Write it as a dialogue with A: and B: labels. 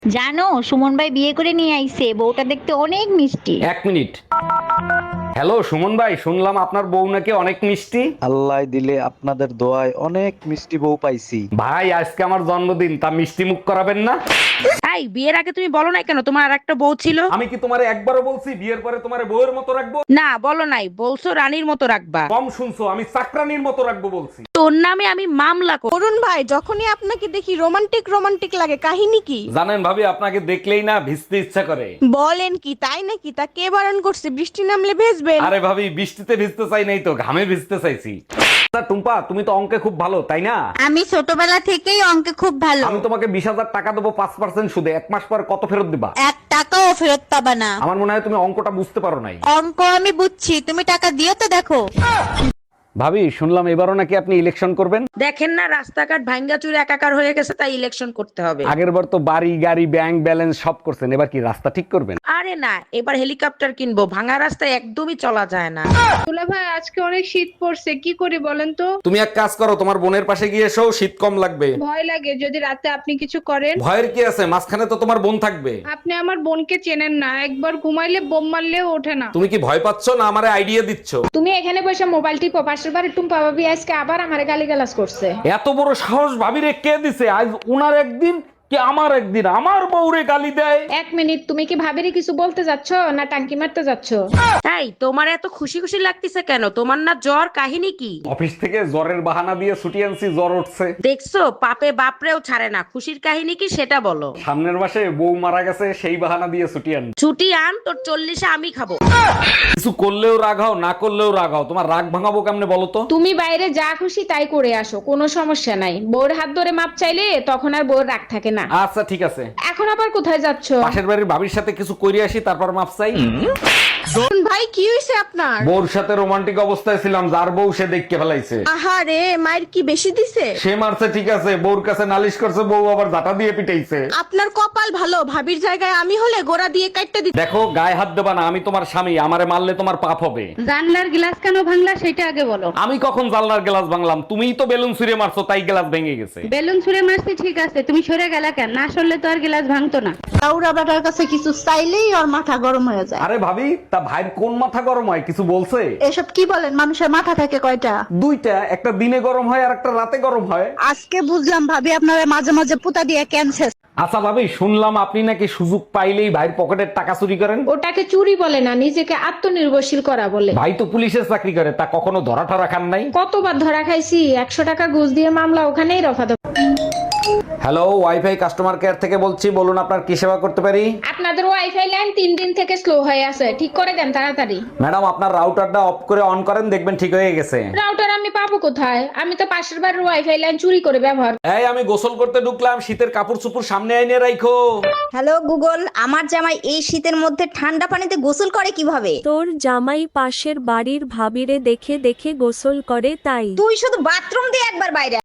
A: জানো, সুমন ভাই বিয়ে করে নিয়ে আইছে, বউটা দেখতে অনেক মিষ্টি।
B: এক মিনিট। হ্যালো সুমন ভাই, শুনলাম আপনার বউ নাকি অনেক মিষ্টি।
C: আল্লাহ দিলে আপনাদের দোয়ায় অনেক মিষ্টি বউ পাইছি।
B: ভাই আজকে আমার জন্মদিন, তা মিষ্টি মুখ করাবেন না?
D: এই বিয়ের আগে তুমি বলো নাই কেন তোমার আর একটা বউ ছিল?
B: আমি কি তোমারে একবারও বলছি বিয়ের পরে তোমারে বউয়ের মতো রাখবো?
D: না বলো নাই, বলছো রানীর মতো রাখবা।
B: কম শুনছো, আমি চাকরানির মতো রাখবো বলছি।
D: তোর নামে আমি মামলা করব।
E: অরুণ ভাই, যখনই আপনাকে দেখি রোমান্টিক রোমান্টিক লাগে, কাহিনী কি?
B: জানেন ভাবি, আপনাকে দেখলেই না ভিজতে ইচ্ছা করে।
E: বলেন কি, তাই নাকি? তা কে বারণ করছে? বৃষ্টি নামলে ভেজবেন?
B: আরে ভাবি, বৃষ্টিতে ভিজতে চাই নাই তো, ঘামে ভিজতে চাইছি। তা টুম্পা, তুমি তো অঙ্কে খুব ভালো তাই না?
A: আমি ছোটবেলা থেকেই অঙ্কে খুব ভালো।
B: আমি তোমাকে 20,000 টাকা দেবো 5% সুদে, 1 মাস পর কত ফেরত দিবা?
A: 1 টাকাও ফেরত পাবা না।
B: আমার মনে হয় তুমি অঙ্কটা বুঝতে পারো নাই।
A: অঙ্ক আমি বুঝছি, তুমি টাকা দিও তো দেখো।
B: ভাবি শুনলাম এবারও নাকি আপনি ইলেকশন করবেন।
D: দেখেন না রাস্তাঘাট ভাঙ্গা চুরে একাকার হয়ে গেছে, তাই ইলেকশন করতে হবে।
B: আগের বার তো বাড়ি গাড়ি ব্যাংক ব্যালেন্স সব করছেন, এবার কি রাস্তা ঠিক করবেন?
D: আরে না, এবার হেলিকপ্টার কিনবো, ভাঙা রাস্তায় একদমই চলা যায় না।
F: দুলা ভাই, আজকে অনেক শীত পড়ছে, কি করি বলেন তো?
B: তুমি এক কাজ করো, তোমার বোনের পাশে গিয়ে এসো, শীত কম লাগবে।
F: ভয় লাগে যদি রাতে আপনি কিছু করেন।
B: ভয়ের কি আছে, মাঝখানে তো তোমার বোন থাকবে।
F: আপনি আমার বোনকে চেনেন না, একবার ঘুমাইলে বোম মারলেও ওঠে না।
B: তুমি কি ভয় পাচ্ছ না আমারে আইডিয়া দিচ্ছ?
F: তুমি এখানে বসে মোবাইল টিপো, পাশের বাড়ির টুম্পা ভাবি আজকে আবার আমারে গালিগালাজ করছে।
B: এত বড় সাহস ভাবিরে কে দিছে? আজ উনার একদিন কি আমার একদিন, আমার বউরে গালি দেয়।
F: 1 মিনিট, তুমি কি ভাবিরে কিছু বলতে যাচ্ছ না টাঙ্কি মারতে যাচ্ছ?
D: এই তোমার এত খুশি খুশি লাগতেছে কেন? তোমার না জ্বর, কাহিনী কি?
B: অফিস থেকে জ্বরের বাহানা দিয়ে ছুটি আনছি, জ্বর উঠছে।
D: দেখছো পাপে বাপরেও ছাড়ে না, খুশির কাহিনী কি সেটা বলো।
B: সামনের মাসে বউ মারা গেছে, সেই বাহানা দিয়ে ছুটি আন।
D: ছুটি আন, তোর 40-এ আমি খাবো।
B: কিছু করলেও রাগ হও, না করলেও রাগ হও, তোমার রাগ ভাঙাবো কেমনে বলো তো?
F: তুমি বাইরে যা খুশি তাই করে আসো, কোনো সমস্যা নাই। বউর হাত ধরে মাপ চাইলে তখন আর বউর রাগ থাকে না।
B: আচ্ছা ঠিক আছে।
F: এখন আবার কোথায় যাচ্ছ?
B: পাশের বাড়ির ভাবির সাথে কিছু কইরে আসি, তারপর মাপ চাই।
E: অরুণ ভাই, কি হয়েছে আপনার?
B: বউর সাথে রোমান্টিক অবস্থায় ছিলাম, যার বউ সে দেখকে ফেলাইছে।
E: আহারে, মায়ের কি বেশি দিছে?
B: সে মারছে ঠিক আছে, বউর কাছে নালিশ করছে, বউ আবার ঝাঁটা দিয়ে পিটাইছে।
E: আপনার কপাল ভালো, ভাবির জায়গায় আমি হলে গোড়া দিয়ে কাটতে দিত।
B: দেখো গায়ে হাত দেবা না, আমি তোমার স্বামী, আমারে মারলে তোমার পাপ হবে।
F: জানলার গ্লাস কেন ভাঙলা সেটা আগে বলো।
B: আমি কখন জানলার গ্লাস ভাঙলাম? তুমিই তো বেলুন ছুঁড়ে মারছো, তাই গ্লাস ভেঙে গেছে।
F: বেলুন ছুঁড়ে মারছি ঠিক আছে, তুমি সরে গেলা কেন? না সরলে তো আর গ্লাস ভাঙতো না।
E: কাউরা বেটার কাছে কিছু চাইলেই ওর মাথা গরম হয়ে যায়।
B: আরে ভাবি, তা ভাইয়ের কোন মাথা গরম হয়, কিছু বলছে?
E: এসব কি বলেন? মানুষের মাথা থাকে কয়টা?
B: দুইটা, একটা দিনে গরম হয় আর একটা রাতে গরম হয়।
E: আজকে বুঝলাম ভাবি আপনারা মাঝে মাঝে পুতা দিয়ে ক্যান্সার।
B: আচ্ছা ভাবি, শুনলাম আপনি নাকি সুযোগ পাইলেই ভাইয়ের পকেটের টাকা চুরি করেন।
F: ওটাকে চুরি বলে না, নিজেকে আত্মনির্ভরশীল করা বলে।
B: ভাই তো পুলিশের চাকরি করে, তা কখনো ধরা ঠরা খান নাই?
F: কতবার ধরা খাইছি, 100 টাকা ঘুষ দিয়ে মামলা ওখানেই রফা দফা।
B: হ্যালো, ওয়াইফাই কাস্টমার কেয়ার থেকে বলছি, বলুন আপনার কি সেবা করতে পারি?
F: আপনাদের ওয়াইফাই লাইন 3 দিন থেকে স্লো হয়ে আছে, ঠিক করে দেন তাড়াতাড়ি।
B: ম্যাডাম আপনার রাউটারটা অফ করে অন করেন, দেখবেন ঠিক হয়ে গেছে।
F: রাউটার আমি পাবো কোথায়? আমি তো পাশের বাড়ির ওয়াইফাই লাইন চুরি করে ব্যবহার।
B: এই আমি গোসল করতে ঢুকলাম, শীতের কাপড় চুপুর সামনে এনে রাখো।
A: হ্যালো গুগল, আমার জামাই এই শীতের মধ্যে ঠান্ডা পানিতে গোসল করে কিভাবে?
G: তোর জামাই পাশের বাড়ির ভাবিরে দেখে দেখে গোসল করে তাই।
A: তুই শুধু বাথরুম দিয়ে একবার বাইরে